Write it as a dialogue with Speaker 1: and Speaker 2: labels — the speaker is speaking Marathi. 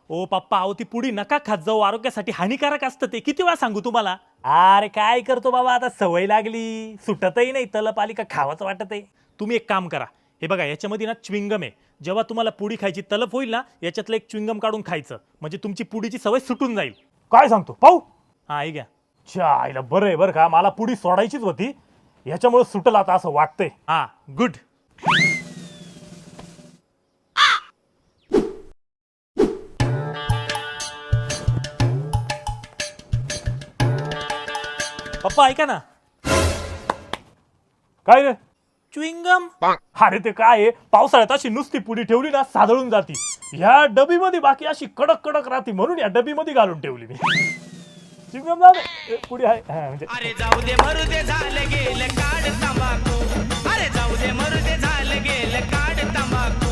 Speaker 1: ओ पप्पा अहो ती पुडी नका खात जाऊ, आरोग्यासाठी हानिकारक असतं ते. किती वेळा सांगू तुम्हाला.
Speaker 2: अरे काय करतो बाबा, आता सवय लागली, सुटतही नाही, तलप आली का खावाचं वाटत आहे.
Speaker 1: तुम्ही एक काम करा, हे बघा याच्यामध्ये ना च्विंगम आहे. जेव्हा तुम्हाला पुडी खायची तलप होईल ना, याच्यातलं एक च्विंगम काढून खायचं, म्हणजे तुमची पुडीची सवय सुटून जाईल.
Speaker 2: काय सांगतो पाहू.
Speaker 1: हा ऐक घ्या.
Speaker 2: चायला बरं आहे बरं का, मला पुडी सोडायचीच होती, याच्यामुळे सुटल आता असं वाटतंय.
Speaker 1: हा गुड. पप्पा ऐका ना.
Speaker 2: काय रे.
Speaker 1: च्विंगम.
Speaker 2: अरे ते काय आहे, पावसाळ्यात अशी नुसती पुडी ठेवली ना सादळून जाती. ह्या डबीमध्ये बाकी अशी कडक कडक राहते, म्हणून या डबीमध्ये घालून ठेवली मी. चिंगम पुडी आहे म्हणजे.
Speaker 3: अरे जाऊ दे मरू दे झालं गेलं काढ तंबाखू. अरे जाऊ दे मरू दे झालं गेलं काढ तंबाखू.